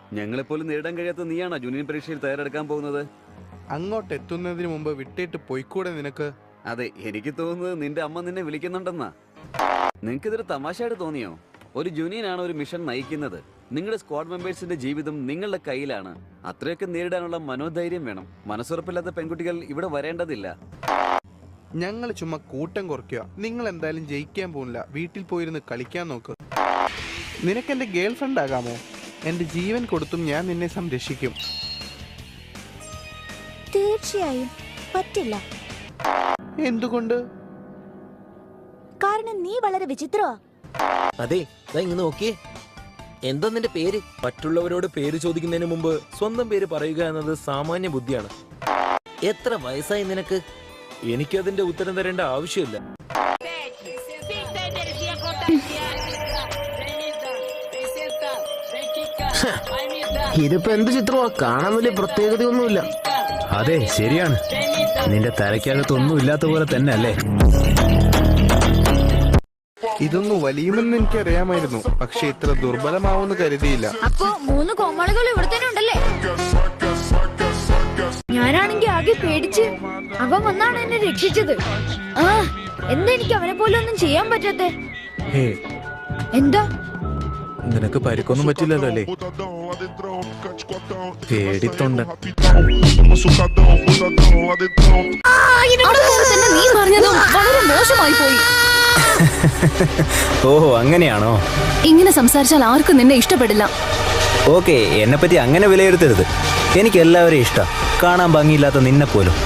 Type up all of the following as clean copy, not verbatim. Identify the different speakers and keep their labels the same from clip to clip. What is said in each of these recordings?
Speaker 1: ഞങ്ങളെപ്പോലും നേരിടാൻ കഴിയാത്ത നീയാണോ ജൂനിയർ പരീക്ഷയിൽ തയ്യാറെടുക്കാൻ പോകുന്നത്?
Speaker 2: അങ്ങോട്ട് എത്തുന്നതിന് മുമ്പ് വിട്ടിട്ട് പോയിക്കൂടെ നിനക്ക്?
Speaker 1: അതെ, എനിക്ക് തോന്നുന്നത് നിന്റെ അമ്മ നിന്നെ വിളിക്കുന്നുണ്ടെന്നാ. നിങ്ങൾക്കിതൊരു തമാശയായിട്ട് തോന്നിയോ? ഒരു ജൂനിയനാണ് ഒരു മിഷൻ നയിക്കുന്നത്. നിങ്ങളുടെ സ്ക്വാഡ് മെമ്പേഴ്സിന്റെ ജീവിതം നിങ്ങളുടെ കയ്യിലാണ്. അത്രയൊക്കെ നേരിടാനുള്ള മനോധൈര്യം വേണം. മനസ്സുറപ്പില്ലാത്ത പെൺകുട്ടികൾ ഇവിടെ വരേണ്ടതില്ല.
Speaker 2: ഞങ്ങൾ ചുമ്മാ കൂട്ടം കുറയ്ക്കുക. നിങ്ങൾ എന്തായാലും ജയിക്കാൻ പോകുന്നില്ല. വീട്ടിൽ പോയിരുന്ന് കളിക്കാൻ നോക്ക്. നിനക്ക് എൻ്റെ ഗേൾ ഫ്രണ്ട് ആകാമോ? എൻ്റെ ജീവൻ കൊടുത്തും ഞാൻ നിന്നെ സംരക്ഷിക്കും.
Speaker 3: തീർച്ചയായും പറ്റില്ല.
Speaker 2: എന്തുകൊണ്ട്?
Speaker 3: കാരണം നീ വളരെ വിചിത്രമാ.
Speaker 4: അതെ, ഇങ്ങ് നോക്കിയേ. എന്താ നിന്റെ പേര്? മറ്റുള്ളവരോട് പേര് ചോദിക്കുന്നതിന് മുമ്പ് സ്വന്തം പേര് പറയുക എന്നത് സാമാന്യ ബുദ്ധിയാണ്. എത്ര വയസ്സായി നിനക്ക്? എനിക്കതിന്റെ ഉത്തരം തരേണ്ട ആവശ്യമില്ല.
Speaker 5: ഇതിപ്പോ എന്ത് ചിത്രമാ? കാണാൻ വലിയ പ്രത്യേകതയൊന്നുമില്ല.
Speaker 6: അതെ, ശരിയാണ്. നിന്റെ തലയ്ക്കകത്തൊന്നും ഇല്ലാത്ത പോലെ തന്നെ അല്ലേ?
Speaker 2: ഇതൊന്നും വലിയുമെന്ന് എനിക്കറിയാമായിരുന്നു, പക്ഷെ ഇത്ര ദുർബലമാവുമെന്ന് കരുതിയില്ല.
Speaker 3: അപ്പോ 3 കോമാളികൾ ഇവിടെ തന്നെ ഉണ്ടല്ലേ? ഞാനാണെങ്കി ആകെ പേടിച്ച്. അവൻ വന്നാണ് എന്നെ രക്ഷിച്ചത്. എന്താ എനിക്ക് അവനെ പോലെ ഒന്നും ചെയ്യാൻ പറ്റാത്തെ? എന്താ?
Speaker 6: നിനക്ക് പരിക്കൊന്നും പറ്റില്ലല്ലോ അല്ലേ? പേടിത്തൊണ്ട.
Speaker 3: നീ പറഞ്ഞതും വളരെ മോശമായി പോയി.
Speaker 6: ഓഹോ, അങ്ങനെയാണോ?
Speaker 3: ഇങ്ങനെ സംസാരിച്ചാൽ ആർക്കും നിന്നെ ഇഷ്ടപ്പെടില്ല.
Speaker 6: ഓക്കെ, എന്നെ പറ്റി അങ്ങനെ വിലയിരുത്തരുത്. എനിക്ക് എല്ലാവരെയും ഇഷ്ടം. കാണാൻ ഭംഗിയില്ലാത്ത നിന്നെ പോലും.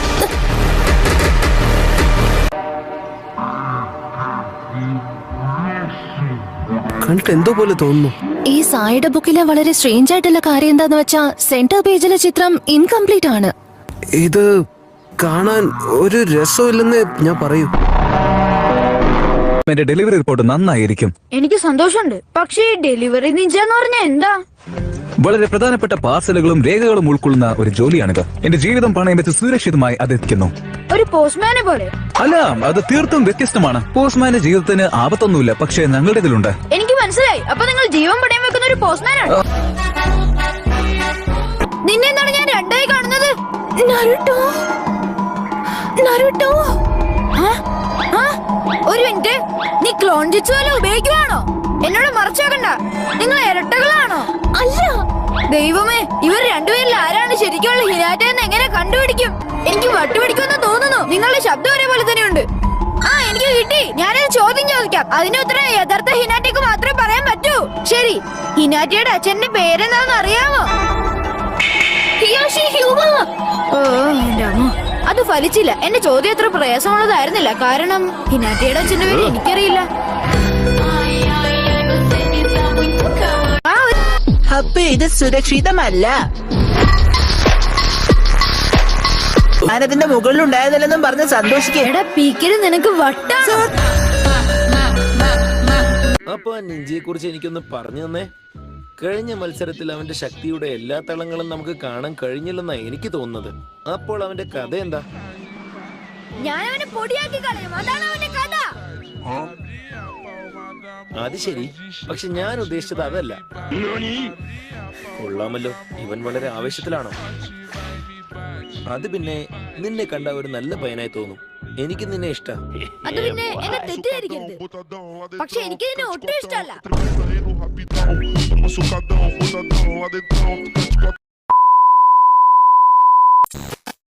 Speaker 5: കണ്ടിട്ട് എന്തോ പോലെ തോന്നുന്നു.
Speaker 3: ഈ സായിയുടെ ബുക്കിലെ വളരെ സ്ട്രേഞ്ച് ആയിട്ടുള്ള കാര്യം എന്താന്ന് വെച്ചാ സെന്റർ പേജിലെ ചിത്രം ഇൻകംപ്ലീറ്റ് ആണ്.
Speaker 5: ഇത് കാണാൻ ഒരു രസമില്ലെന്ന് ഞാൻ പറയൂ.
Speaker 6: എന്റെ ഡെലിവറി റിപ്പോർട്ട് നന്നായിരിക്കും.
Speaker 3: എനിക്ക് സന്തോഷമുണ്ട്. പക്ഷേ ഡെലിവറി നിഞ്ചെന്ന് പറഞ്ഞാൽ എന്താ?
Speaker 6: വളരെ പ്രധാനപ്പെട്ട പാർസലുകളും രേഖകളും ഉൾക്കൊള്ളുന്ന ഒരു ജോലിയാണിത്. എന്റെ ജീവിതം പണയം വെച്ച് സുരക്ഷിതമായി അതെത്തിക്കുന്നു.
Speaker 3: ഒരു പോസ്റ്റ്മാനെ പോലെ?
Speaker 6: അല്ല, അത് തീർത്തും വ്യത്യസ്തമാണ്. പോസ്റ്റ്മാന്റെ ജീവിതത്തിന് ആപത്തൊന്നുമില്ല, പക്ഷേ ഞങ്ങളുടെ ഇതിലുണ്ട്.
Speaker 3: എനിക്ക് മനസ്സിലായി. അപ്പൊ നിങ്ങൾ ജീവൻ പണയം വെക്കുന്ന ഒരു പോസ്റ്റ്മാനാണ്. നിന്നെ എന്താണ് ഞാൻ രണ്ടായി കാണുന്നത്? നരുട്ടോ, നരുട്ടോ. ഒരു മിനിറ്റ്, നീ ക്ലോൺ ജിറ്റ്സു വല്ല ഉപയോഗിക്കുവാണോ? എന്നോട് മറച്ചേക്കണ്ട. നിങ്ങൾ ഇരട്ടകളാണോ? അല്ല. ദൈവമേ, ഇവർ രണ്ടുപേരിൽ ആരാണ് ശരിക്കുള്ള ഹിനാറ്റ എന്ന് എങ്ങനെ കണ്ടുപിടിക്കും? എനിക്ക് വട്ടുപിടിക്കുമെന്ന് തോന്നുന്നു. നിങ്ങളുടെ ശബ്ദം ഒരേപോലെ തന്നെയുണ്ട്. എനിക്ക് കിട്ടി. ഞാനൊരു ചോദ്യം ചോദിക്കാം. അതിന്റെ ഉത്തരം യഥാർത്ഥ ഹിനാറ്റയ്ക്ക് മാത്രമേ പറയാൻ പറ്റൂ. ശരി, ഹിനാറ്റയുടെ അച്ഛന്റെ പേരെന്താണെന്ന് അറിയാമോ? ഹിയോഷി ഹ്യൂമ. ഓ എന്റെ അമ്മ, അത് ഫലിച്ചില്ല. എന്റെ ചോദ്യം അത്ര പ്രയാസമുള്ളതായിരുന്നില്ല. കാരണം ഹിനാറ്റയുടെ അച്ഛന്റെ പേര് എനിക്കറിയില്ല.
Speaker 7: അപ്പൊ ഇത് സുരക്ഷിതമല്ല. ഞാനതിന്റെ മുകളിൽ ഉണ്ടായതല്ലെന്നും പറഞ്ഞ് സന്തോഷിക്കേ.
Speaker 3: എടാ പീക്കര്, നിനക്ക് വട്ടാണ്.
Speaker 4: അപ്പൊ ആ നിഞ്ചിയെ കുറിച്ച് എനിക്കൊന്ന് പറഞ്ഞു തന്നെ. കഴിഞ്ഞ മത്സരത്തിൽ അവന്റെ ശക്തിയുടെ എല്ലാ തളങ്ങളും നമുക്ക് കാണാൻ കഴിഞ്ഞില്ലെന്നാ എനിക്ക് തോന്നുന്നത്. അപ്പോൾ അവന്റെ കഥ എന്താ?
Speaker 3: ഞാൻ അവനെ പൊടിയാക്കി കളയും. അതാണ് അവന്റെ കഥ.
Speaker 4: അത് ശരി, പക്ഷെ ഞാൻ ഉദ്ദേശിച്ചത് അതല്ല. കൊള്ളാമല്ലോ, ഇവൻ വളരെ ആവേശത്തിലാണോ? അത് പിന്നെ നിന്നെ കണ്ട ഒരു നല്ല പയ്യനായി തോന്നും. എനിക്ക് നിന്നെ ഇഷ്ടം.
Speaker 3: അത് പിന്നെ എന്നെ തെറ്റിദ്ധരിക്കരുത്. പക്ഷെ എനിക്ക് നിന്നെ ഒട്ടും ഇഷ്ടമല്ല.